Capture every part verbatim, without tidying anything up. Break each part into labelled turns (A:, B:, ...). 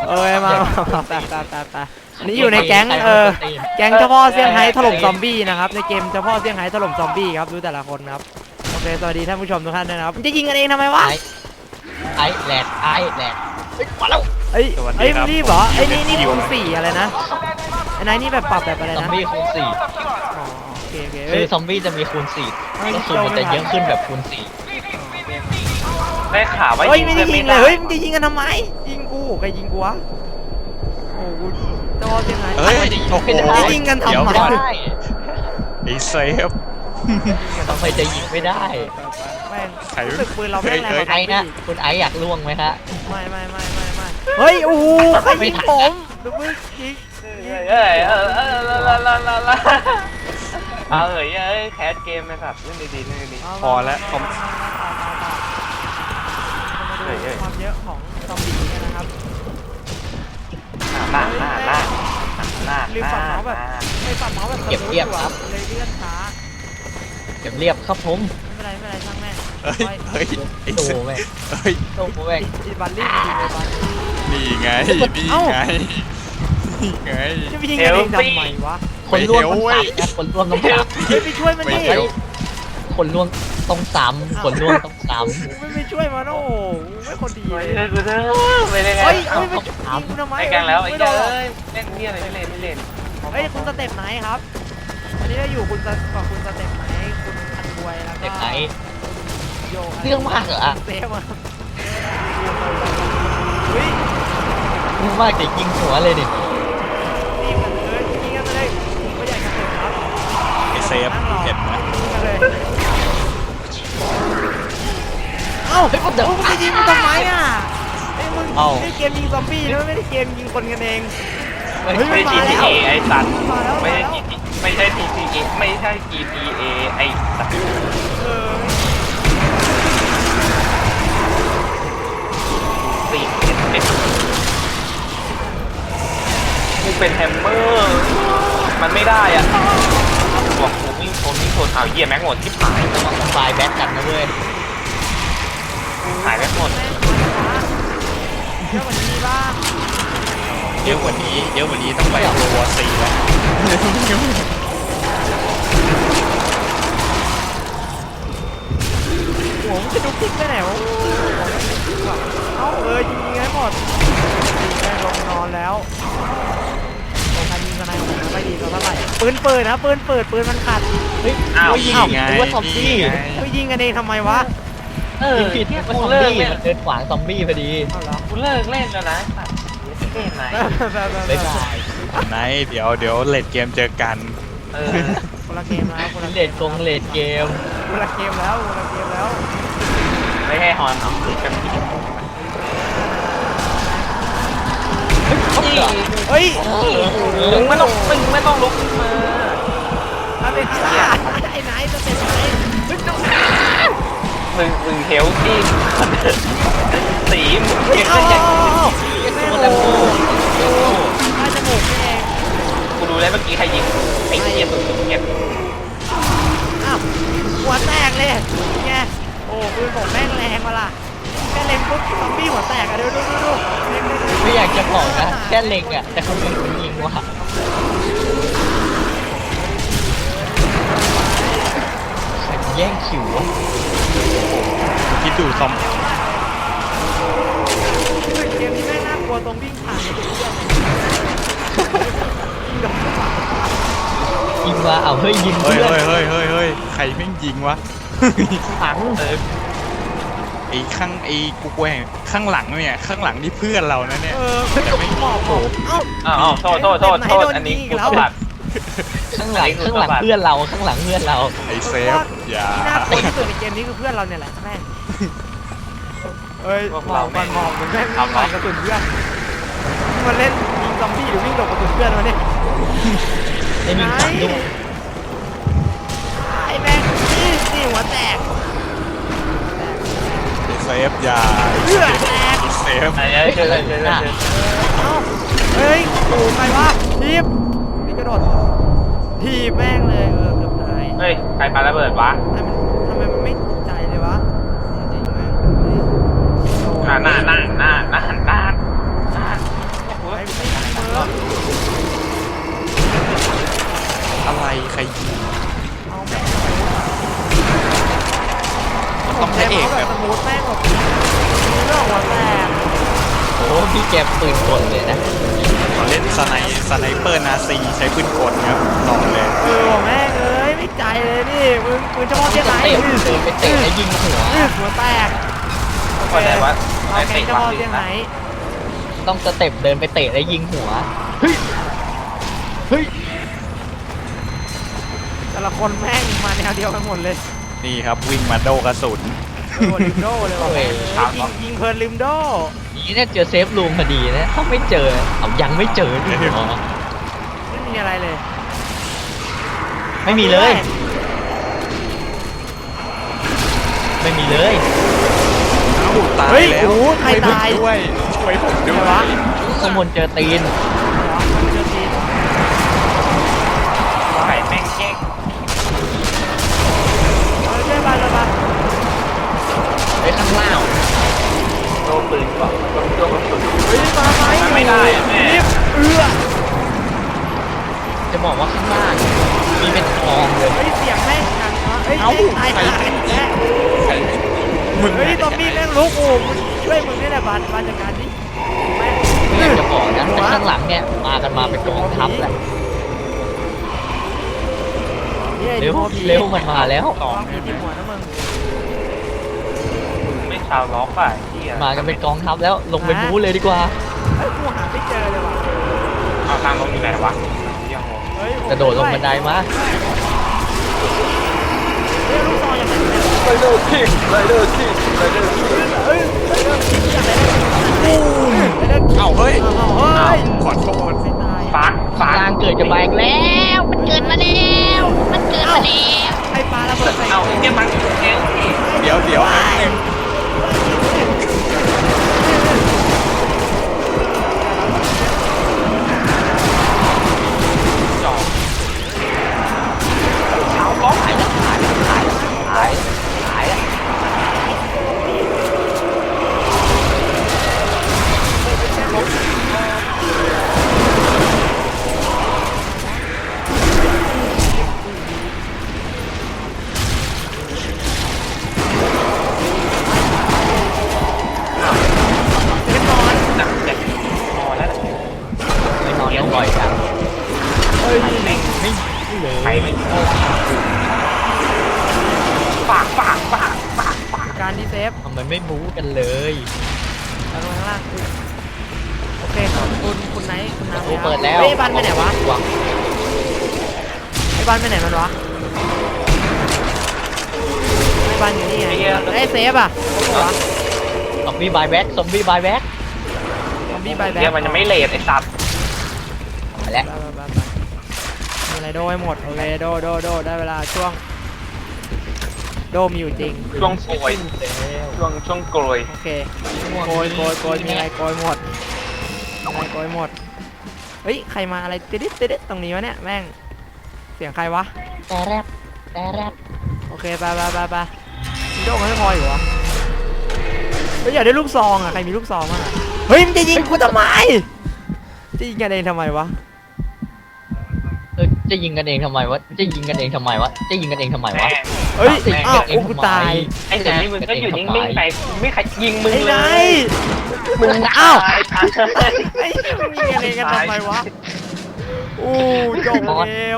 A: เอ้ยมามาตาตาตาตานี่อยู่ในแก๊งเออแก๊งเจ้าพ่อเซี่ยงไฮ้ถล่มซอมบี้นะครับในเกมเจ้าพ่อเซี่ยงไฮ้ถล่มซอมบี้ครับดูแต่ละคนครับโอเคสวัสดีท่านผู้ชมทุกท่านด้วยนะครับจะยิงกันเองทำไมวะ
B: ไอ้แหลกไอ้แหลกมาแล้ว
A: เอ้ยเอ้ยรีบเหรอไอ้นี่นี่คูณสี่อะไรนะไอ้นายนี่แบบปรับแบบอะไร
B: ซอม
A: นะ
B: บี้คูณสี่
A: อ๋อโอเคโอเค
B: คือซอมบี้จะมีคูณสี่ก็คือมันจะเยอะขึ้นแบบคูณสี่
C: ได้ข่าวว่า
A: เฮ้ยไม่ได้
C: พื่อน
A: ยิงเลยเฮ้ยมึงจะยิงกันทำไมยิงกูใครยิงกูวะโอ้กูเจ้าพ่อเซี่ยงไฮ้
D: เฮ้ยโอ้โห
A: จะยิงกันทำ
D: เดี๋ยว
A: ไม
D: ก่อน
B: ได้
D: ไอ้เซฟ
B: ทำไมจะยิงไม่ได้
A: แม่ง
D: ใคร
A: รู้สึกปืนเราแม่งแรงกว่า
B: ไอ้
A: ซอม
B: นะ
A: บี้
B: คุณไอ้อยากล่วงไหมฮะ
A: ไม่ไม่ไม่ไม่ไม่เฮ้ยโอ้โหใครยิงผมดูมึงยิง
C: เอ้ยเออเออลาลาลาลาเอาเอ้ยเอ้ยแคสเกมไหมครับเล่นดีๆเล่นดี
D: พอแล้วคอม
A: มาดูความเยอะของซอมบี้กันนะครับ
C: ๆหน้าหน้าหน้าหน้า
A: ลืม
C: ห
A: ปรับ
C: น้า
A: เมาส์แบบ
C: หน้า
A: ไม่ปรับเมาส์แบบ
B: เก็บเรียบครับ
A: เลยเลื่อนช้า
B: เก็บเรียบครับผม
A: ไม่เป็นไรไม่เป็นไรช่างแม่ง
D: เฮ้ยเฮ้ยไอ้
B: โต
D: เซฟ
B: แม่ง
D: เฮ้ย
B: โตแม่ง
A: อีบัลลี่จริงเลยบัลลี่
D: นี่ไงนี่ไงนี่ไง
A: จะไปยิงกันเองทำไมวะ
B: คนร่วม
D: ไม่
B: ต้อง
D: เฮล
B: สามนะคนร่วมต้องสาม
A: เฮ้ยไปช่วยมัน
D: ไม่
A: ดิ
D: เฮล
B: คนร่วมต้องสามคนร่วมต้องสาม
A: ไม่ไปช่วยมันโอ้โหไม่คนดี
C: ไม่
A: เลย
C: ได้กูเด้อไม่ได้ไง
A: เฮ้ยเฮ้ยไปยิงกูทำไม
C: ไม่กันแล้วไอ้
A: ไม่
C: เจ้
A: โด
C: ย
A: น
C: เล่นเนี่ยอะไรไม่เล่นไม่เล่น
A: เฮ้ยคุณสเต็ปไหนครับอันนี้เราอยู่คุณสกับคุณสเต็ปไหนคุณอันบวยแล้วก็
B: เด็กไหน
A: โย
B: เรื่องมากเหรอ
A: เซฟอะเฮ้ย
B: เรื่องมากจะยิงหัวเลยดิ
A: รีบกันเลยยิงกันเลยผมก็อยากจะเสร็จครับ
D: ไอ้เซฟเห็นไหม
A: ยิงกันเลยเอ้า
B: เฮ้ยเดี๋ยว
A: มึงจะยิงกูทำไมอ่ะไอ้มึง
D: เอ้า
A: ไม่ได้เกมยิงซอมบี้นะไม่ได้เกมยิงคนกันเอง
B: ไม่
A: เฮ้ย
C: ไม่
A: มัน
C: ใช่
A: มา
C: จี
A: แล้ว
C: ทีเอไอ้สัตว์
A: มาแล้ว
C: ไม่
A: มา
C: ใช่
A: แล้ว
C: จีไม่ใช่ทีทีเอไม่ใช่จีทีเอไอ้สัตว์
A: เออ
C: สี่เอ็ดเอ็ดกูเป็นแฮมเมอร์ มันไม่ได้อ่ะบอกกูวิ่งชนวิ่งชนเอาเหี้ยแม็กหมดที่หาย
B: ระวังไฟแบ็กกันนะเว้ย
C: หายแม็กหมด
A: แม่งมาช้าเยอะกว่านี้บ้าง
D: เยอะกว่านี้เยอะกว่านี้ต้องไปโรวอซีแล้ว
A: โอ้โหมันจะดูคลิกไปไหนวะเอ้าเออยิงยิงให้หมดยิงแม่งลงนอนแล้วโอ้ใครยิงกันไหนของมันไม่ดีก็เท่าไหร่ปืนเปิดนะปืนเปิดปืนมันขาด
B: เฮ้ย
C: อ้าว
B: ยิง
D: นี่ไง
B: หรือว่าซอมบี้
D: นี่ไง
A: ไปยิงกันเองทำไมวะ
C: เออ
B: ยิงผิด
C: เนี่ย
B: ว่า
C: กู
B: ซอม
C: เลิก
B: บี้
C: เล่น
B: มันเดินขวางซอมบี้พอดี
A: เอาเหรอ
C: กูเลิกเล่นแล้วนะสัตว์เล่นไหน
A: แบบแบบ
B: บ๊าย
A: แบบ
B: บาย
D: ไหนเดี๋ยวเดี๋ยวเลดเกมเจอกัน
C: เออ
A: คนละเกมแล้วคนละ
B: เลดกงเลดเกม
A: คนละเกมแล้วคนละเกมแล้ว
C: ไม่ให้ฮอนเอาคือกันที่
A: เฮ้ย
C: มึงไม่ต้องมึงไม่ต้องลุกขึ้นมา
A: อะไรฆ่าไอ้ไหนจะเป็นไหน
C: มึงมึงเฮลที่สีมึง
A: เฮ้ย
C: เก็บ
A: เอา
C: ได้
A: เอา
C: ยัง
A: เอา
B: เอ็กซ์โมแลมโบ
A: ใต้จมูกนี่เอง
C: กูดูแล้วเมื่อกี้ใครยิงไอ้เหี้ยสุดเก็บ
A: อ้าวหัวแตกเลยไงโอ้ปืนผมแม่งแรงมาล่ะแค่เล็งปุ๊บซอมบี้หัวแตกอะดูดูดูดูเล็งดูดู
B: ไม่อยากจะบอกนะแค่เล็งอ่ะแต่คนอื่นมันยิงว่ะใครแย่งคิววะ
D: คิดดูซอม
A: เกมนี้แม่งน่ากลัวตรงวิ่งผ่านกระสุนเพื่อนยิงโดนกระสุน
B: ยิงมาเอาเฮ้ยยิง
D: เฮ้ย
B: เพื่อน
D: เฮ้ยเฮ้ยเฮ้ยเฮ้ยใครแม่งยิงวะ
B: ถัง
C: เออ
D: ไอ้ข้างไอ้กูแหวงข้างหลังเนี่ยข้างหลังนี่เพื่อนเรานะเนี่ย
A: เออจะไม่บอกผมเอ้า
C: อ้าวอ้าวโทษโทษโทษโทษอันนี้กูสะบัด
B: ข้างหลังข้างหลังเพื่อนเราข้างหลังเพื่อนเรา
D: ไอ้เซฟอย่า
A: ที่น่ากลัวที่สุดในเกมนี้คือเพื่อนเราเนี่ยแหละแม่งเอ้ยหมอบมันหมอบมันแม่งวิ่งผ่านกระสุนเพื่อนมันเล่นยิงซอมบี้หรือวิ่งหลบกระสุนเพื่อนวะเนี่ย
B: ได้มีถังด้วย
A: ไอ้แม่งนี่นี่หัวแตก
D: ไอ้เซฟอย่า
A: เลือดแตก
D: ไอ้เซฟ
C: ไอ้เหี้ยเชิญเชิญเชิญเชิญ
A: เอ้าเฮ้ยโอ้ใครวะทีบนี่กระโดดทีบแม่งเลยเออเกือบตาย
C: เฮ้ยใครปาระเบิดวะ
A: ทำไมมันทำไมมันไม่ใจเลยวะจริงๆแม่งเฮ้ย
C: หน้าหน้าหน้าหน้าหน้าหน้าหน้า
B: พี่แกปืนกลเลยนะ
D: เล่นสไนสไนเปอร์นาซีใช้ปืนกลครับต่อเลย
A: เออแม่งเอ้ยไม่ใจเลยนี่มึงมึงจะมอง
B: จะ
A: ที่ไหน
B: เตะเดินไปเตะแล้วยิงหัว
A: อื้อหัวแตก
C: คนไหนวะ
A: เอาแกงจะมองที่ไหน
B: ต้องสเต็ปเดินไปเตะแล้วยิงหัวเฮ้ยเฮ้ย
A: แต่ละคนแม่งมาแนวเดียวกันหมดเลย
D: นี่ครับวิ่งมาโดกระสุน
A: โดนลิมโดเลยว่ะแม่งเอ้ยยิงยิงเพลินลิมโด
B: นี่เนี่ยเจอเซฟรูมพอดีนะถ้าไม่เจอเอายังไม่เจอดิหรอ
A: ไม่มีอะไรเลย
B: ไม่มีเลย ไม่มีเลย
D: เอ้าตาย
A: เฮ้ย
D: แล้ว
A: โอ้โหใครตาย
D: ช่วยผมด้วยช่วยผมด้ว
A: อะไรวะ
D: ย
B: ข้างบนเจอตีน
A: เจอทีม
C: ไข่แม่งแก๊ก
A: เอาเชื่อมาเลยมา
B: ไปข้างล่าง
C: โดนปืนก่อนโดนโดนกระสุน
A: เฮ้ยมาไหม
C: มันไม่ได้อะแม่
A: รีบเอื้อ
B: จะบอกว่าข้างล่างมีเป็นกองเลย
A: เฮ้ยเสียงแม่งดังเนาะเฮ้ย
D: เอ้า
A: ตาย
D: ใคร
A: หายแน่
D: ใครมึง
A: เฮ้ยตอมบี้แม่งลุกโอ้มึงช่วยมึงนี่แหละบานบานจัดการดิแม่ง
B: ไม่อยากจะบอกนะแต่ข้างหลังเนี่ยมากันมาเป็นกองทัพแล้ว
A: นี่ไอ้
B: เร็ว
A: โมบี
B: เร็วมันมาแล้ว
A: ตองมีที่หัวนะมึง
C: ไม่ชาวล็อกอ่ะที่
B: มากันเป็นกองทัพแล้วลงไปบู๊เลยดีกว่า
A: เฮ้ยกูหาไม่เจอเลยว่ะ
C: เอาทางลงอยู่ไหนวะยังงง
A: เฮ้ย
B: กระโดดลงบันไดมา
A: เฮ้ยลูกซองอย่างไรเนี่ย
C: ไรเดอร์คิงไรเดอร์คิงไรเดอร์คิง
A: เฮ้ยเฮ้ยเฮ้ยอย่างไรเนี่ยเฮ้ยเฮ้ย
D: เอ้าเฮ้ย
A: เอาเอาเฮ้ย
D: ขอโทษ
A: ไม่ตาย
C: ฟักฟั
B: ข้าง
C: ก
B: ล่างเกิดจะมาอีกแล้ว มันเกิดมาแล้วมันเกิดมาแล้ว
A: ไอ้ปลาระเบิดใส่
C: เอาไอ้เนี่ยมันเอง
D: เดี๋ยวเดี๋ยวแป๊บนึง
C: จอบชาวล็อกไอ้เนี่ย
B: หายหายหายหายอะ
A: เล่นนอน
C: หนักเจ็บพอแล้ว
B: ไม่นอนแล้วบ่อยจัง
A: เฮ้ย
C: แม่ง
B: ไม่เลย
C: ไปไม่ฝากฝากฝากฝากฝาก
A: การดีเซฟ
B: ทำไมไม่บู๊กันเลย
A: ลงข้างล่างอุ๊ยโอเคคุณคุณไหนคุณน้ำ
B: โอ้เปิดแล้ว
A: เฮ้ยไอ้บันไปไหนวะไอ้บันไปไหนมันวะไอ้บันอยู่นี่ไงไอ้เซฟอ่ะโอ้โหวะ
B: ซอมบี้บายแบ็กซอมบี้บายแบ็ก
A: ซอมบี้บายแบ็ค
C: เดี๋ยวมันจะไม่เลทไอ้สัตว์
B: มาแล้ว
A: มีอะไรโดให้หมดโอเคโดโดโดได้เวลาช่วงโดมีอยู่จริง
C: ช่วงโกยช่วงช่วงโกย
A: โอเคโกยโกยโกยมีอะไรโกยหมดมีอะไรโกยหมดเฮ้ยใครมาอะไรติดติดติดตรงนี้วะเนี่ยแม่งเสียงใครวะ
B: แต่แรปแต่แรป
A: โอเคไปไปไปไปมีโดมันไม่พออยู่วะเฮ้ยอยากได้ลูกซองอ่ะใครมีลูกซองบ้างอ่ะเฮ้ยมันจะยิงกูทำไมจะยิงกันเองทำไมวะ
B: เออจะยิงกันเองทำไมวะจะยิงกันเองทำไมวะจะยิงกันเองทำไม
C: แม่
B: วะ
A: เฮ้ย
B: จะยิง
A: อ้าว
B: กันเอง
A: โอ้กู
B: ทำไม
A: ตาย
C: ไอ้ไหนมึงก็อยู่นิ่งๆไปไม่ใครยิงมึง
A: ไอ้
C: เล
A: ไหน
C: ยมึง
A: อ้าว
C: ตาย
A: ไอ้มึงยิงกันเองกันทำไมวะอู้จบเกม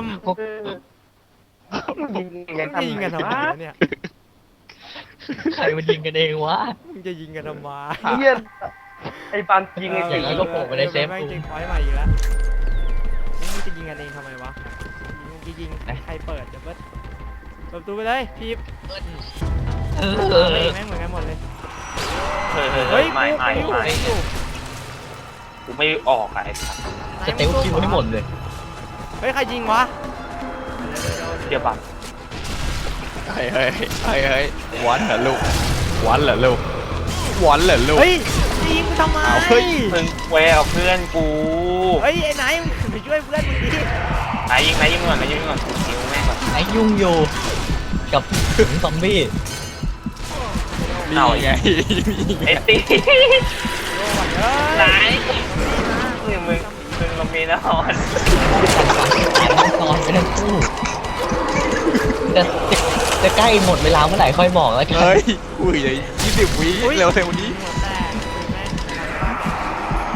C: ยิงกัน
A: ยิงกันทำไม
C: วะ
A: วะเนี่ย
B: ใครมันยิงกันเองวะ
A: มึงจะยิงกันทำไม
C: เหี้ยไอ้ปันยิงไอ้
B: อ
C: ตี
B: ย่างนั้นก็โผล่ไปในเซฟ
A: แม่งจริงพอยต์ใหม่อีกแล้วมึงจะยิงกันเองทำไมวะมึงจะยิงใครเปิดจะเปิดเปิดประตูไปเลยพีบ
B: เอ
A: แม่
B: อง
A: แม่งเหมือนกันหมดเลย
C: เฮ้ย
A: เฮ้ย
C: ไม่
A: กู
C: ไม่
A: กู
C: ไม่
A: อยู่
C: กูไม่ออกอะไอ้สัตว์
B: จะเตลคิวให้หมดเลย
A: เฮ้ยใครยิงวะ
C: เดี๋ยวบัตร
D: เฮ้ยเฮ้ยเฮ้ยเฮ้ยวันเหรอลูกวันเหรอลูกวันเหรอลูก
A: เฮ้ยจะยิงกูทำไม
D: เอาเฮ้ย
C: มึงแววเพื่อนกู
A: เฮ้ยไอ้ไหนมึงไปช่วยเพื่อนมึงดิ
C: ไหนยิงไหนยิงก่อนไหนยิงก่อนกูยิงแม่งก่อน
B: ไอ้ยุ่งอยู่กับถึงซอมบี้
D: นี่ไง
C: ไอ้ตี
A: โอ้ยเฮ้ย
C: ไหนนี่มึงมึงลงมีแน่นอน
B: นอนไปทั้งคู่จะจะจะใกล้หมดเวลาเมื่อไหร่ค่อยบอกแล้วกัน
D: เฮ้ยอุ้ยยี่สิบวิเร็วเร็วนี้
A: หัวแตกแม่ง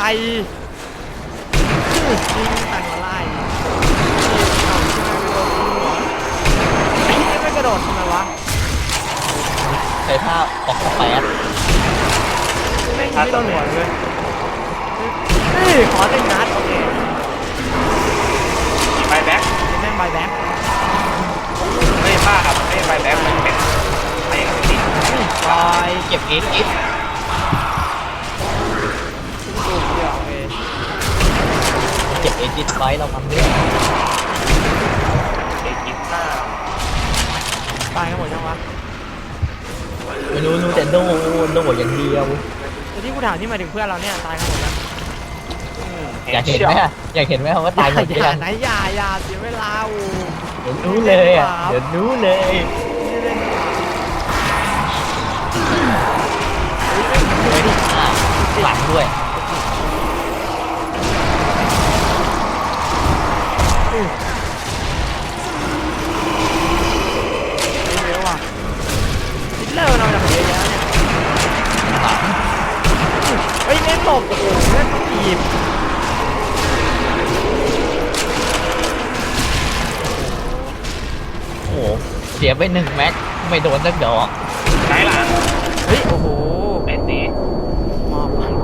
A: ยิงแต่งมาไล่ไอ้นี่ไม่กระโดดทำไมวะ
B: ใช้ท่าออกสแปด
A: ไม่ไม่โดนหัวเลยนี่ขอหนึ่งนัดโอเค
C: มีใบแบ็ค
A: แม่งใบแบ็ค
C: ไม่ใช่ผ้าครับไม่ใช่ใบแบ็คมันเป็นไอ้ติด
A: ลอย
B: เก็บเอสเอส
A: สูงเดียวโอเค
B: เก็บเอสเอสไว้เราทำด้วย
C: ไอ้กินหน้า
A: ตายกันหมดยังวะ
B: ไม่รู้รู้แต่โดโดอย่างเดียว
A: แต่ที่กูถามนี่หมายถึงเพื่อนเราเนี่ยตายกันหมดแล้ว
B: อยากเห็นไหมอะอยากเห็นไหมว่าตายหมดหรือ
A: อย่า
B: ยัง
A: ไหนอย่าอย่าเสียเวลาอู
B: เดี๋ยวรู้เลยอ่ะเดี๋ยวรู้เลย ไม่ได้ฆ่าหลังด้วย
A: เร็วอ่ะคิดเลอร์เราจากเยอะแล้วเนี่ย
B: หลัง
A: เฮ้ยเล่นตบโอ้โหเล่นตีบ
B: โอ้โหเสียไปหนึ่งแม็กไม่โดนสักดอก
C: ใช้หลัง
A: เฮ้ยโอ้โห
C: ไอ้ตี
A: มอบมัน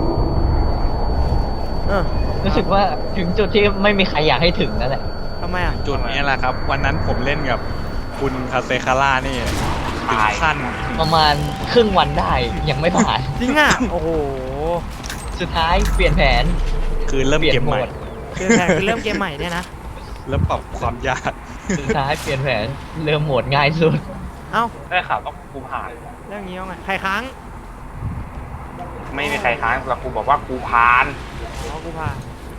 A: เออ
B: รู้สึกว่าถึงจุดที่ไม่มีใครอยากให้ถึงนั่นแหละ
A: ทำไมอ่ะ
D: จุดนี้แหละครับ วันนั้นผมเล่นกับคุณคาเซคาร่านี่ถึงขั้น
B: ประมาณครึ่งวันได้ยังไม่ผ่าน
A: จริงอ่ะโอ้โห
B: สุดท้ายเปลี่ยนแผน
D: คือเริ่ม
B: เปลี่ย
D: เก
B: น
D: ม
B: โหม
D: ใหม่
B: ด
A: คือแผนคือเริ่มเกมใหม่เนี่ยนะ
D: เริ่มปรับความยาก
B: สุดท้ายเปลี่ยนแผนเริ่มโหมดง่ายสุด
A: เอ้า
C: ได้ข่าวต้องกูผ่าน
A: เรื่องนี้ยังไงใครค้าง
C: ไม่มีใครค้านแต่กูบอกว่ากูผ่าน
A: อ๋อกูพา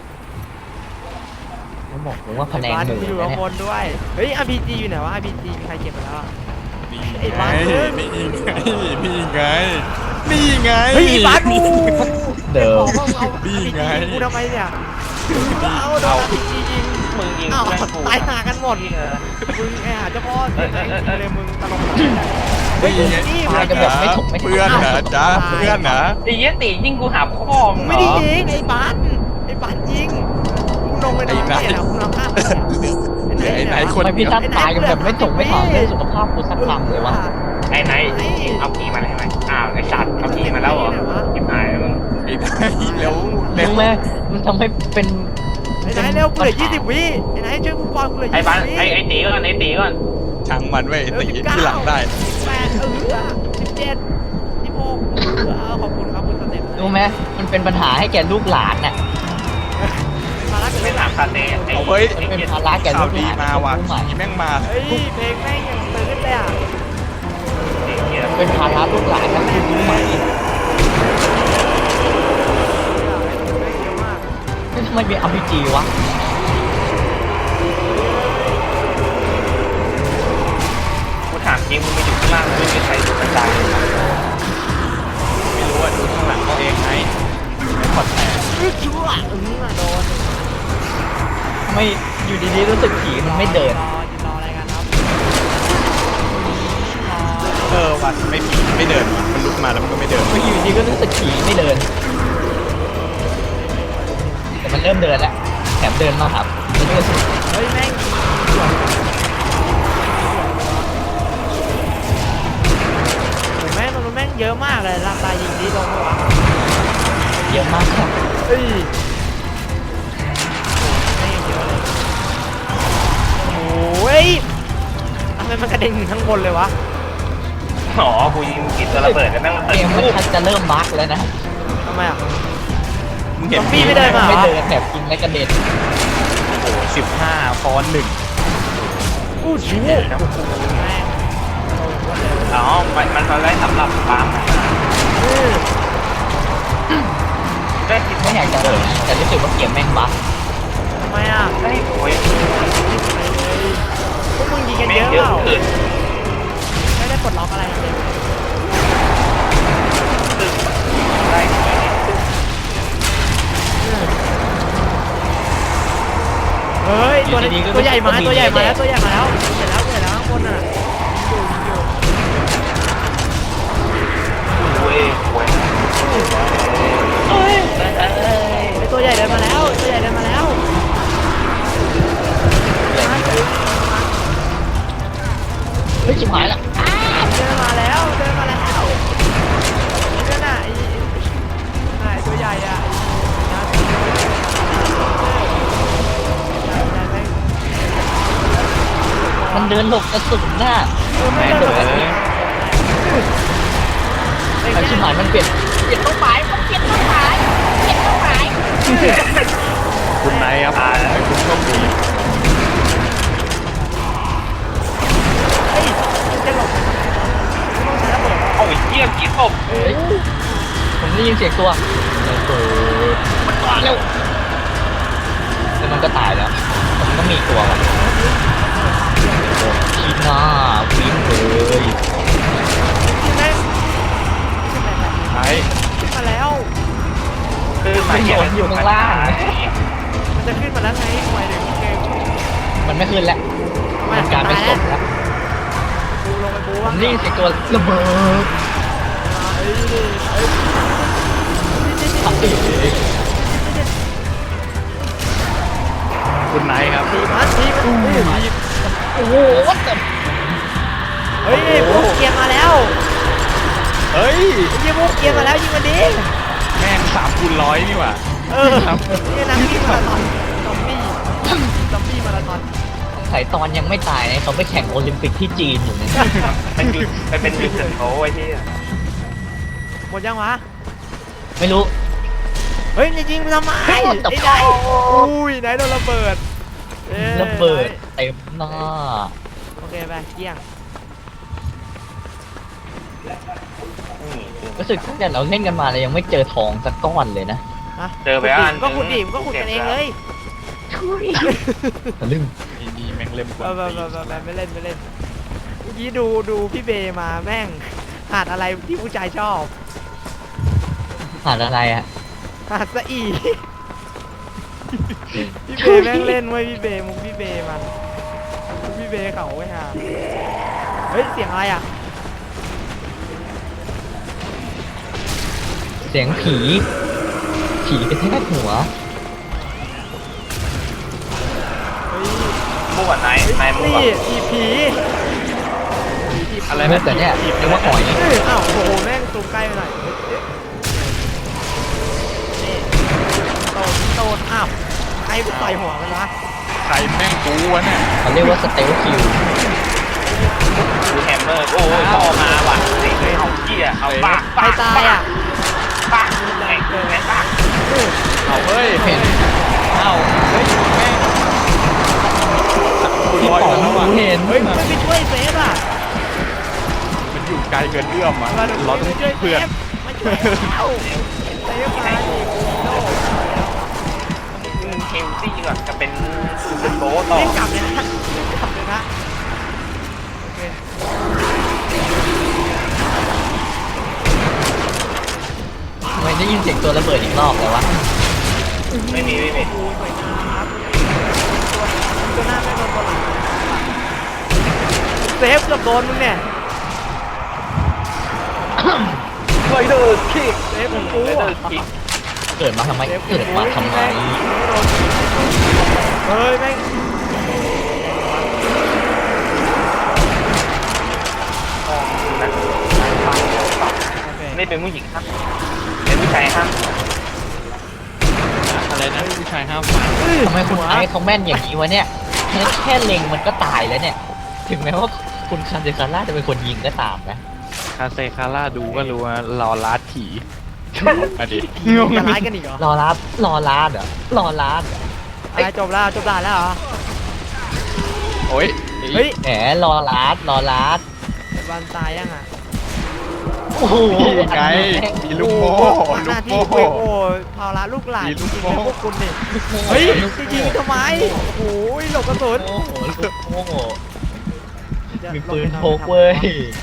B: ผมบอกผมว่าคะแนน
A: บ้าน
B: หมื่น
A: อยู่
B: นะ
A: ข้าง
B: เนี่ย
A: บนด้วยเฮ้ย อาร์ พี จี อยู่ไหนวะ อาร์ พี จี มีใครเก็บไปแล้วอะ
D: นี่
A: ไอ้
D: ไง
A: บ้าเอ้ย
D: นี่ไงนี่ไงนี่ไง
A: เฮ้ยไอ้บ้านกู
B: เดิม
A: เอาเอา
D: นี่
A: อาร์ พี
D: ไง
A: จี กูทำไมเนี่ยเอาโดน อาร์ พี จี ยิง
C: มึงยิง
A: อ้าว
C: เพื่อนกู
A: ตายหากันหมด
C: เออ
A: มึงไอ้หาเจ้าพ่อเสียใจจริงเลยมึงตลก
D: นี่ไง
A: นี่
B: ตายกันแบบไม่ถกไม่ถก
D: เพื่อนเหรอจ๊ะเพื่อนเหรอ
C: ไอ้เหี้ยตียิงกูหาพ่อมึงเหร
A: ไม่
C: อ
A: ได้ยิงไอ้บ้านไอ้บ้านยิงกูลงไปนอนเนี่ยนะกูนอนข้าง
D: เหลือไอ้ไหนคน
B: ทำไมพี่ท่านตายกันแบบไม่ถกไม่ถามเรื่องสุขภาพกูสักคำเลยวะ
C: ไอ้ไหนเอาพีมาได้ไหมอ้าวไอ้สัตว์เอาพีมาแล้วเหรอจิบหายแล้วมึง
D: ไอ้ไหนแล้วเร็ว
B: รู้ไหมมันทำให้เป็น
A: ไอ้ไหนเร็วกูเหลือยี่สิบวิไอ้ไหนช่วยกูก่อนกูเหลือ
C: ไอ้
A: ยี่
C: บ้าน
A: สิบวิ
C: ไอ้ไอ้ตีก่อนไอ้ตีก่อน
D: ช่างมันไว้ยไอ้ตีที่หลังได้
A: แปดเออสิบเจ็ดสิบหกเออขอบคุณครับคุณสเต็ป
B: รู้ไหมมันเป็นปัญหาให้แก่ลูกหลานน่ะ
A: มาลัก
C: ไม่
A: เล่น
C: ถามคาเต้ไอ้
D: เอาเฮ้ย
B: มันเป็นภาระแก่
D: ข่า
B: ลู
D: ว
B: ก
D: ดี
B: หลาน
D: มาว่ะ
B: ผู้ใหม่
D: นี่แม่งมา
A: เฮ้ยเพลงแม่งยังตื่นเลยอ่ะ
C: เหี้ย
B: เป็นภาระลูกหลานนะคุณรู้ไหม
A: เยอะมาก
B: นี่ทำไมมี อาร์ พี จี วะ
C: กูถามจริงมึงไปอยู่ข้างล่างไม่มีใครดูกระจายเลยนะ
D: ไม่รู้ว่าดูข้างหลังเขาเองไงไม่พอแตก
A: อื้อชั่วอื้อโดน
B: ทำไมอยู่ดีๆรู้สึกผีมันไม่เดิน
A: รอยืนรออะไรกันครับ
D: เออว่ะไม่ผีไม่เดินว่ะมันลุกมาแล้วมันก็ไม่เดิน
B: ก็อยู่ดีก็รู้สึกผีไม่เดิน แต่มันเริ่มเดินแล้วแถมเดินมาครับมันก็รู้สึก
A: เฮ้ยแม่งโอ้แม่งมันแม่งเยอะมากเลยราคายิงดีลงวะ
B: เยอะมากครับ
A: เฮ้ยแม่งเยอะเลยโอ้ยทำไมมันกระเด็นถึงข้างบนเลยวะ
C: อ๋อกูยิงกินตัวระเบิดแล้วแม่งระ
B: เก
C: เบิด
B: มมันชักจะเริ่มบั๊กแล้วนะ
A: ทำไมอ่ะ
D: มึงเห็น
A: ซอมบี้ไม่เดินมา
B: ไม่เดินแถบกินและกระเด็น
D: โอ้โหสิบห้าฟอนหนึ่ง
A: อู้ชูแม่ง
C: อ๋อมันมันเอาไว้สำหรับปั๊ม
A: อือ
C: ได้คิด
B: ไม่อยากจะเอ่ยนะแต่รู้สึกว่าเกมแม่งบั๊ก
A: ทำไมอ่ะ
C: ได้โอ้ย
A: พวกมึงยิงกัน
C: แม่
A: เย
C: ง
A: อะ
C: เย
A: เป
C: อะ
A: ล่า
C: เกิน
A: ไม่ได้ปลดล็อกอะไรเลย
C: ตึ้งได้
A: เฮ้ยตัวนี้ตัวใหญ่มาตัวใหญ่มาแล้วตัวใหญ่มาแล้วเห็นแล้วเห็นแล้วข้างบนอ่ะอยู่อยู่
C: โอ้ยโอ้ย
A: เฮ้ย
C: เออ
B: เฮ้ยชิบหายละ
A: เดินมาแล้วเดินมาแล้วเดินน่ะไอ้ไอ้ตัวใหญ่อะไอ้
B: มันเดินหลบกระสุนน่ะ
A: ไม่
D: แม่ง
A: เดิน
D: เล
A: เลย
D: ย
B: ไอ้ชิบหายมันเปลี่ยนเปลี่ยนเป้าหมายมันเปลี่ยนเป้าหมายเปลี่ยนเป้าหมาย
D: คุณนายครับให้คุณโชคดี
A: เฮ้ยจะหลบต้องใช้ระเบิด
C: เอาไอ้เหี้ยกี่ศพ
B: เฮ้ยผมได้ยินเสียงตัวระเบิดมันมาเร็วแล้วมันก็ตายแล้วแต่มันก็มีอีกตัวว่ะชีหน้าวิ่งเลย
A: แม่ง
D: ไอ้
A: ขึ้นมาแล้ว
C: คือมาเหี้ย
B: อยู่ข้างล่าง
A: มันจะขึ้นมาแล้วไงหมายถึงเกม
B: มันไม่ขึ้นแล้วมันกลายเป็นศพแล้ว
A: บูลงไปบู
B: ผ
A: ว่าม
B: ได้ยินเสียงตัวระเบิด
A: เอ้ยเอ้ย
B: ทำอีก
D: คุณนายครับ
A: ทีมันทีมัน
B: โอ้โหวัดแต่
A: เฮ้ยพวกเกียร์มาแล้ว
D: เฮ้ย
A: ยิงพวกเกียร์มาแล้วยิงมันดิ
D: แม่งสามคูณร้อยนี่หว่า
A: เออนี่นักวิ่งมาราธอนซอมบี้ซอมบี้มาราธอน
B: สายตอนยังไม่ตายเนี่ยเขาไปแข่งโอลิมปิกที่จีนอยู่เนี่ย
C: มันคือมันเป็นยูเซนโตไอ้ที่
A: หมดยังวะ
B: ไม่รู้
A: เฮ้ยจะยิงมันทำไม
B: เฮ้
A: ไอ้
B: ย what the
A: ไหนอุ้ยไหนโดนระเบิดอ้ย
B: ระเบิดเต็มหน้า
A: โอเคไปเกี้ยง
B: รู้สึกตั้งแต่เราเล่นกันมาเรายังไม่เจอทองสักก้อนเลยนะ
A: ฮะ
C: เจอไปอัน
A: ก็ขุดดิมก็ขุดกันเองเลย
B: ทะลึ่ง
D: นี่นี่แม่งเล่มก
A: เอ
B: Ờ,
D: ว่า
A: อแบบแบบไม่เล่นไม่เล่นเมื่อกี้ดูดูพี่เบมาแม่งหาดอะไรที่ผู้ชายชอบ
B: ผ่านอะไรอ่ะ
A: หาดสะอีพี่เบแม่งเล่นไว้ยพี่เบมุกพี่เบมันมุกพี่เบเขาไว้ห่าเฮ้ยเสียงอะไรอ่ะ
B: เสียงผี ผีกระแทกหัว
A: เฮ้ย
C: มั่วไหนไหนมั่ว
A: นี่อีผี
D: อะไร
B: ไม่
D: นะ
B: แต่เนี่ยเรียกว่าหอย
A: เอ้ยอ้าวโอ้โหแม่งซูมใกล้ไปหน่อยเฮ้ยนี่โดนโดนอ้าวใครต่อยหัวมันวะ
D: ใครแม่งกูวะเนี่ย
B: เขาเรียกว่าสเตลคิว
C: ดูแฮมเมอร์โอ้ยพ่อมาว่ะไอ้เอาเหี้ยเอาปาก
A: ใครตายอ่ะ
C: ปากไอ้เกินไอ้ปาก
D: เอาเฮ้ย
B: เห็น
D: เอ้าเฮ้ยแม่งสามคูณร้อยมาแล้วอ่ะ
B: เห็น
A: เฮ้ยมันไม่ช่วยเซฟอ่ะ
D: มันอยู่ไกลเกินเอื้อมอ่ะ
A: เรา
D: เราต้อง
A: ช่วย
D: เพื่อน
A: เซฟมาช่วยเอาเซฟมาดิโน่
C: เฮลซี่ก่อนจะเป็นยูเซนโตต่อ
A: เล่นกลับเลยนะเล่นกลับเลยนะโอเค
B: ทำไมได้ยินเสียงตัวระเบิดอีกรอบเลยวะ
C: ไม่มีไม่มี
A: ดูสวยงามครับตัวตัวหน้าไม่โดนตัวหลังเซฟเกือบโดนมึงเนี่ย
C: ไรเดอร์คิก
A: เซฟมึงกู
C: ไรเดอ
A: อ่ะ
C: ร์คิก
B: เกิดมาทำไม
A: เซฟ
B: เกิดมาทำไม
A: เฮ้ยแม่ง
C: อ๋อนะ
A: โอเค
C: นี่เป็นผู้หญิงครับเป็นผู้ชายครับ
D: อะไรนะผู้ชายห้ามฟัง
B: ทำไมคุณไอ้เขาแม่นอย่างนี้วะเนี่ยแค่แค่เล็งมันก็ตายแล้วเนี่ย ถึงแม้ว่าคุณคันเดคาร่าจะเป็นคนยิงก็ตามนะ
D: คาเซคาร่าดูก็รู้ว่ารอลาดผีมาดิ
A: จะร้ายกันอีกเหรอ
B: รอรับรอลาดเหรอรอลาดเหรอ
A: อะไรจบแล้วจบด่านแล้วเหรอ
D: โอ้ย
A: เฮ้ย
B: แหมรอลาดรอลาด
A: วันตายยังอ่ะ
B: โอ้โห
D: นี่ไงมีลูกโม่
A: ห
D: ลู
A: น้าก ที่
D: โม่
A: โอ้โหภาระลูกหลาน
D: มี
A: จ
D: ลูก
A: ริงๆ
D: โม่
A: เลยพวกคุณนี่เฮ้ยจะยิงทำไมโอ้โหหลบกระสุน
B: โอ้โหโอ้โหมีปืนพกเว้ย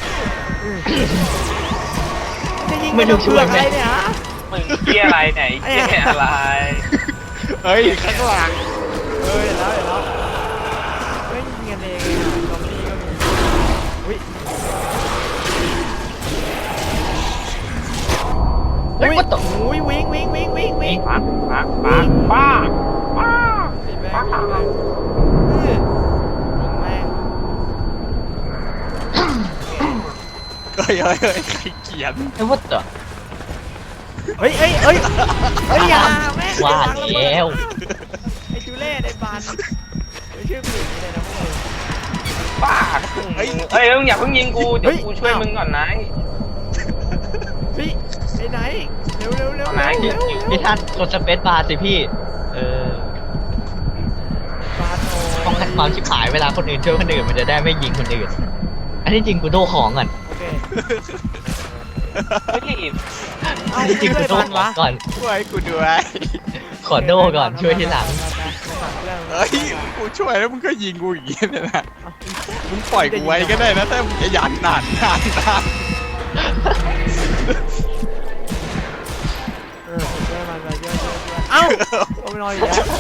A: จะยิง
B: ไม่
A: ไม่
B: ต้
A: ต้
B: อ
A: อง ง
B: ช่
A: เชื
B: วย
A: อก
B: ไหม
A: อะไรเนี่ยฮะ
C: มึงเกี้ยอะไรไหนเกี้ยอะไร
D: เฮ้ยข้างหลัง
A: เออเห็นแล้วเห็นแล้วเฮ้ยยิงกันเองซอมบี้ก็มีอุ้ย
B: เฮ้ย
A: อุ้ย
B: ว่าต่อ
A: อุ้ยวิ่งวิ่งวิ่งวิ่งวิ่ง
C: ปักปักปักป้าป้า
A: สีแม่งสีแม่งเออยิงแม่ง
D: ฮ้ยเฮ้ยเฮ้ยใครเขียน
B: ไอ้วัดเหรอ
A: เฮ้ยเฮ้ยเฮ้ยเฮ้ยอย่าแม่ง
B: ว่า
A: อย่
B: แล้ว
A: ไอ้ชูเล่ไอ้บานไม่ชื่อผู้หญิงเลยนะพวกมึง
C: บ้าเฮ้ยเฮ้ยมึงอย่าเพิ่งยิงกูเดี๋ยว
A: เฮ้ย
C: กูช่วยมึงก่อนนะ
A: พี่ไปไหนเร็วเร็วเร็ว
C: เอาไหน
A: เร็ว
B: พี่
A: เร็ว
B: พี่ท่านกดสเปซบาร์สิพี่ เออ
A: บานโอ้
B: ป้องกันความชิบหายเวลาคนอื่นช่วยคนอื่นมันจะได้ไม่ยิงคนอื่น อันนี้จริงกูโดของก่อน
A: โอเค
C: เฮ้ย
A: เอา
B: อันนี้จริง
A: ช่
B: กู
A: วย
B: โด
A: บาน
B: ของ
A: วะ
B: ก่อน
D: ช่วยกูด้วย
B: ขอโดก่อนช่วยทีหลัง
D: เฮ้ยกูช่วยแล้วมึงก็ยิงกูอย่างนี้เนี่ยนะมึงปล่อยกูไว้ก็ได้นะถ้ามึงจะยันนานนานนาน
A: เออช่วยมันไปช่วยช่วยช่วยเอ้าเอาไปนอนอีกแล้ว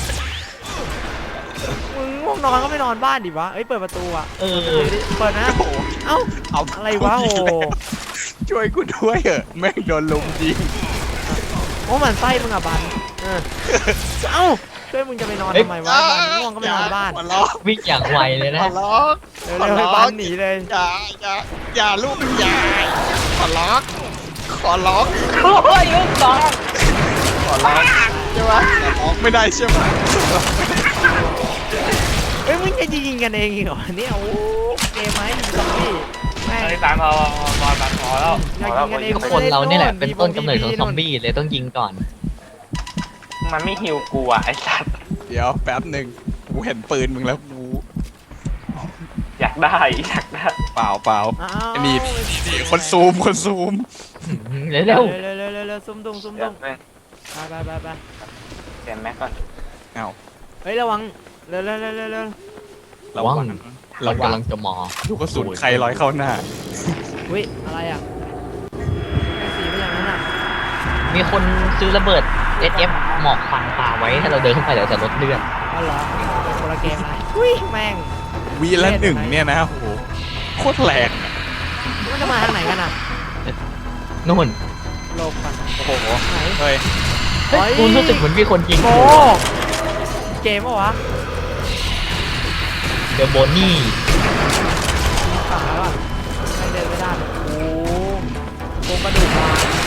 A: มึงง่วงนอนก็ไม่นอนบ้านดิวะเอ้ยเปิดประตูอ่ะ
B: เออ
A: เปิดนะ
D: โอ้โห
A: เอ้า
D: เอา
A: อะไรวะโอ้
D: ช่วยกูด้วยเหอะแม่งโดนลุมยิง
A: โอ้มันไส้มึงอ่ะบันเออเอ้าช่วยมึงจะไปนอน
B: เฮ้ย
A: ทำไมวะบันง่วงก็ไม่นอนบ้าน
D: ขอร้อง
B: วิ่งอย่างไวเลยนะ
D: ขอร้อง
A: เร็วๆให้บ้านหนีเลย
D: อย่าอย่าอย่าลูกอย่าขอร้องขอร้อง
C: โอ้ยลูกสอง
D: ขอร้องใช่ไหมขอร้องไม่ได้ใช่ไหม
A: เฮ้ยมึงจะยิงกันเองอีกเหรอเนี่ยโอ้เกมไหมมึงซอมบี้แม่ง
C: เฮ้ยสามพอพอสามพอแล้วพอแล้ว
A: อยากยิงกันเอง
B: ทุกคนเราเนี่ยแหละเป็นต้นกำเนิดของซอมบี้เลยต้องยิงก่อน
C: มันไม่ฮิวกูอ่ะไอ้สัตว์
D: เดี๋ยวแป๊บหนึ่งกูเห็นปืนมึงแล้วกู
C: อยากได้อยากได้
D: เปล่าเปล่า
A: อ้าว
D: นี่นี่คนซูมคนซูม
B: เร็ว
A: เร็
B: เร็
A: ว
B: ว
A: เร็วเร็วเร็วเร็วซุ่มตุ้งซุ่ม
C: เดี๋ย
A: ตุ้
C: ว
A: ง
C: แม่ง
A: ไปไปไปไป
C: เปลี่ยนแม็กก่อน
D: เอ้า
A: เฮ้ยระวังเร็วเร็วเร็วเร็วเร็ว
D: ระวัง
B: เรา
D: ระวัง
B: กำลังจะมา
D: ลูกกระสุนใครลอยเข้าหน้า
A: อุ้ยอะไรอ่ะไอ้สีไม่อย่างนั้นอ่ะ
B: มีคนซื้อระเบิด เอส เอฟ หมอกควันปาไว้ถ้าเราเดินเข้าไปเดี๋ยวจะลดเลือด
A: อ๋อเหรอเป็นคนละเกมนะอุ้ยแม่ง
D: วีละหนึ่งเนี่ยนะโอ้โหโคตรแรง
A: มันจะมาทางไหนกันอ่ะ
B: นู่น
A: โลบกัน
D: โอ้โห
A: ไหน
D: เฮ้ย
B: เฮ้ยคุณรู้สึกเหมือนมีคนยิง
A: โบเกมปะวะ
B: เดอะโบนี่
A: ตายแล้วอ่ะไม่เดินไม่ได้โอ้โครงกระดูกมา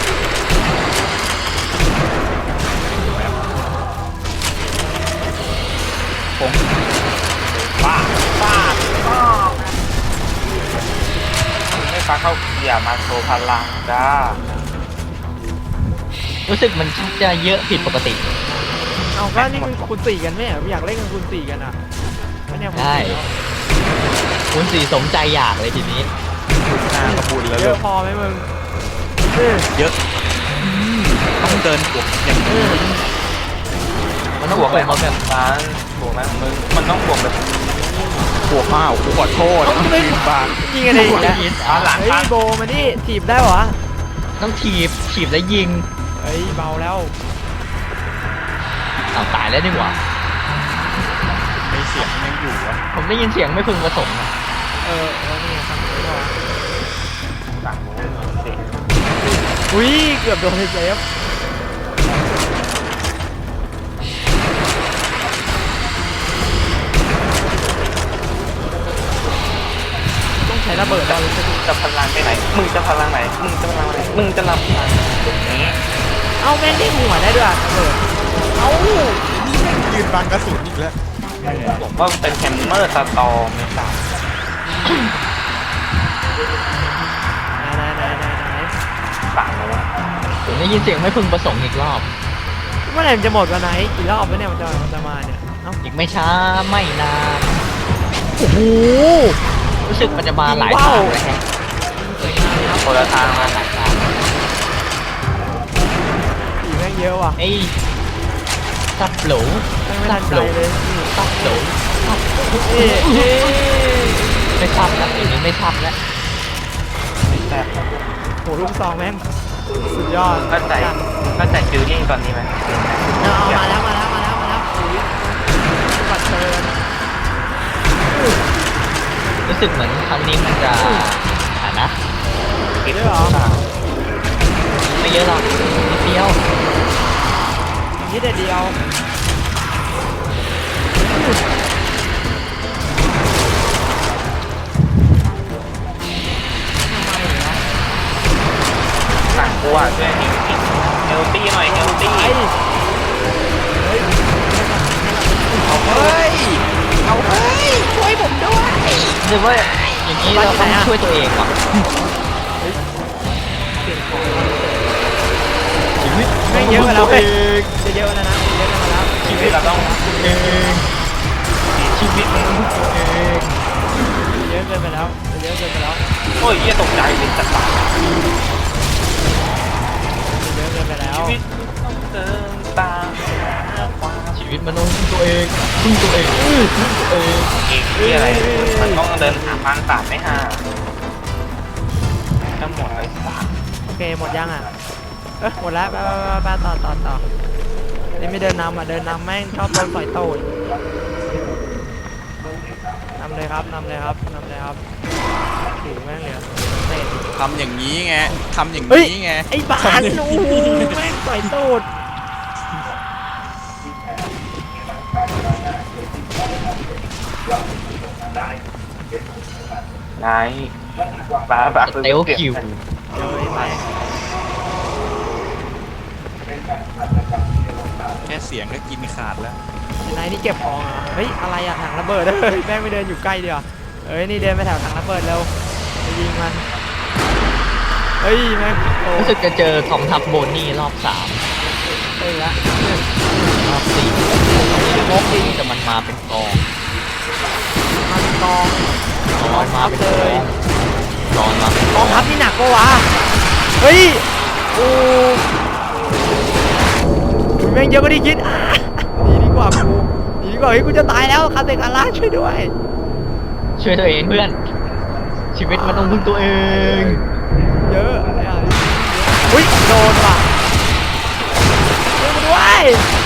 D: ผม
C: ป้าป้าป้าไม่ฟังเขาอย่ามาโชว์พลังจ้า
B: รู้สึกมันชักจะเยอะผิดปกติ
A: เอาก็นี่มันคูณสี่กันไหมอ่ะอยากเล่นกันคูณสี่กันอ่ะก็เนี่ยคูณ
B: ได้
A: สี่แล้ว
B: คุณสีสมใจอยากเลยทีนี้
D: หน้ากระบุญแล้ว
A: เย
D: ลู
A: อะ
D: ก
A: พอไหมมึงเออ
D: เยอะอืมต้องเดินบวกอย่างนี้
B: มันต้อง
C: บวก
B: บ
C: แบ
B: วก
C: บ
B: มาแบบ
C: นั้นบวกแบบมึงมันต้องบวกแบบ
D: บวกอ้าวกูขอโทษต้องยืนบาง
A: ยิงกันเองอีกแล้ว
C: อ่ะหลัง
A: เฮ้ย
C: พัน
A: โบมานี่ถีบได้เหรอ
B: ต้องถีบถีบแล้วยิง
A: เฮ้ยเบาแล้ว
B: อ้าวตายแล้วนี่หว่า
D: ไอเสียงยังอยู่วะ
B: ผมได้ยินเสียงไม่พึงประสงค์อะ
A: เออเออนี่ไงทำได้เหรอ
C: ฝั่งนู้นสิ
A: อุ้ยเกือบโดนเซฟต้องใช้ระเบิดเราเลยจะถูก
C: จะพลังไปไหนมึงจะพลังไหนมึงจะพลังไหนมึงจะรับพลังตรงนี้
A: เอาแม่งได้หัวได้ด้วยอะระเบิดเอา
D: นี่แม่งยืนบังกระสุนอีกแล้ว
C: ผมว่าเป็นแฮมเมอร์สตอร์ไม่ทราบ
A: ไหนไหนไหนไหน
C: ฝั่งนู้น
B: ผมได้ยินเสียงไม่พึงประสงค์อีกรอบ
A: เมื่อไหร่มันจะหมดวันไหนกี่รอบวะเนี่ยมันจะมันจะมาเนี่ยเอ้า
B: อีกไม่ช้าไม่นาน
A: โอ้โห
B: รู้สึกมันจะมาหลาย
A: ว้า
B: ทาว งเลยฮะ
C: คนละทางมา
B: หลายทาง
A: ผีแม่งเยอะว่ะ
B: ไอ้ซับโหล
A: แม่งไม่ทันใจเลยนี่
B: ซับโหล
A: เอ๊ะเอ๊ะ
B: ไม่ซับแล้วอันนี้ไม่ซับแล้ว
C: แต่
A: โหลูกซองแม่งสุดยอด
C: เข้าใจเข้าใจฟิลลิ่งตอนนี้ไหม
A: เอาเอามาแล้วมาแล้วมาแล้วมาแล้วอุ้ยบัตรเชิญ
B: รู้สึกเหมือนครั้งนี้มันจะอ่านะ
C: เก็บ
A: ได้เหรอ
B: ไม่เยอะหรอกนิดเดียว
A: นี่แต่เดียวทำไมเหรอ
C: กูอ่ะช่วยเฮลตี้หน่อยเฮลตี้
A: ไปเฮ้ย
D: เอาเฮ้ยเอาเฮ้ยช่วยผมด้วย
B: หรือว่าอย่างนี้เราต้องช่วยตัวเองว่ะ
A: เปลี่ยนของไม่เยอะกันแล้วเว้ยจะเยอะแล้วนะเยอะกันมาแล้ว
C: ชีวิตเราต้อง
B: เองชีวิตมันต้องตัวเอง
A: เยอะเกินไปแล้วเยอะเกินไปแล้ว
C: โอ้ยเหี้ยตกใจเป็นจัดปาก
A: เยอะเกินไปแล้ว
C: ชีวิตต้องเดินตามหาความ
B: ชีวิตมันต้องพึ่งตัวเองพึ่งตัวเองอื้อพึ่งตัวเอง
C: เอกที่อะไรมันต้องเดินหาพันสามไม่ห่าทั้งหมดเลยสาม
A: โอเคหมดยังอ่ะเออหมดแล้วไปไปไปต่อต่อต่อนี่ไม่เดินนำอ่ะเดินนำแม่งชอบโดนต่อยโต้ยนำเลยครับนำเลยครับนำเลยครับถือแม่งเหลือเศษ
D: ทำอย่างนี้ไงทำอย่าง
A: เฮ้ย
D: นี้ไง
A: ไอ้บ้านโอ้โหแม่งต่อยตูด
C: นายปลาปลา
B: เตลคิว
A: เจอไอ้แม่ง
D: แค่เสียงก็กินขาดแล้ว
A: ไอ้นายนี่เก็บของเหรอเฮ้ยอะไรอะถังระเบิดเฮ้ยแม่งไม่เดินอยู่ใกล้เดียวเอ้ยนี่เดินไปแถวถังระเบิดเร็วไปยิงมันเฮ้ยแม่งโอ้
B: รู้สึกจะเจอกองทัพโบนี่รอบสาม
A: เฮ้ยละ
B: รอบสี่งกดีแต่มันมาเป็นกอง
A: มันกอง
B: ตอนมาเป็นกองตอนมาเป็น
A: กองทัพนี่หนักปะวะเฮ้ยโอ้ยแม่งเยอะกว่าที่คิดอ่ะหนีดีกว่ากูหนีดีกว่าเฮ้ยกูจะตายแล้วคาเตกาล่าช่วยด้วย
B: ช่วยตัวเองเพื่อน ชีวิตมันต้องพึ่งตัวเอง
A: เยอะอะไรอ่ะอุ้ยโดนว่ะช่วยกูด้วย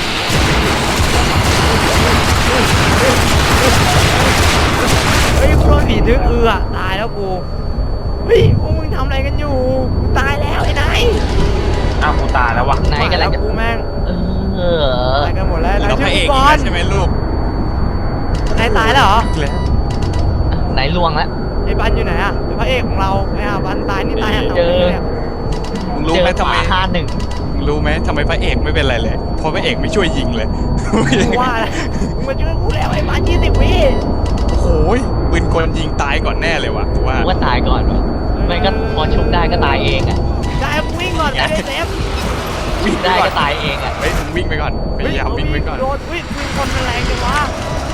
A: เฮ้ยกูโดนผีดึงเอือตายแล้วกูเฮ้ยพวกมึงทำอะไรกันอยู่กูตายแล้วไอ้นาย
C: อ้าวกูตายแล้ววะ
B: ไหนกัน
A: แล้
B: แล้ว ว
A: กูแม่ง
B: เออ
A: ตายกันหมดแล้ว
D: เรา
A: นาย
D: พ
A: ช่ว
D: ระ
A: ย
D: เอ
A: กู
D: ก
A: ก่อน
D: อีกแล้วใช่ไหมลูก
A: นายตายแล้วเหรอ
D: แล้ว
B: ไหนลวงแล้ว
A: ไอ้บันอยู่ไหนอ่ะพระเอกของเราไอ้อ่ะบันตายนี่ตายอ่ะ
B: เจอ
A: เนี่ย
D: มึงรู้
B: เจ
D: ไหม
B: อ
D: ทำไม
B: ห้าหนึ่ง
D: มึงรู้ไหมทำไมพระเอกไม่เป็นไรเลยเพราะพระเอกไม่ช่วยยิงเลย
A: กูว่าแล้วมึงมาช่วยกูแล้วไอ้บันยี่สิบวิ
D: โอ้ยปืนกลยิงตายก่อนแน่เลยว่ะกูว่า
B: ว่าตายก่อนวะไม่ก็พอชุบได้ก็ตายเองอ่ะ
A: ได้กูวิ่งก่อนไปเลยเซฟ
D: วิ่งไป
B: ได้
D: ก่อ
B: ก็
D: น
B: ตายเองอ่ะ
D: เฮ้ยมึงวิ่งไปก่อนพยายามวิ่งไปก่อน
A: โดนวิ่งวิ่งคนมันแรงจังวะ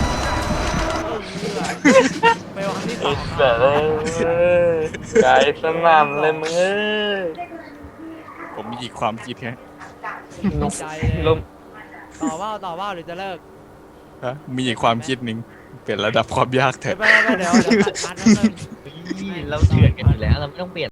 A: ไปวางที่ส
C: ไอ้
A: อง
C: เสือเลยใจสนั่นเลยมึงเอ้ย
D: ผมมีอีกความคิดแค่
A: ใจ
C: ลม
A: ต่อว่าต่อว่าหรือจะเลิก
D: ฮะมีอีกความคิดหนึ่งเปลี่ยนระดับความยากเถ
A: ไป
D: อะ
A: ไปเดี๋ยวเดี๋ยวตัดพันแล้วนึง
B: เราเถื่อนกันอยู่แล้วเราไม่ต้องเปลี่ยน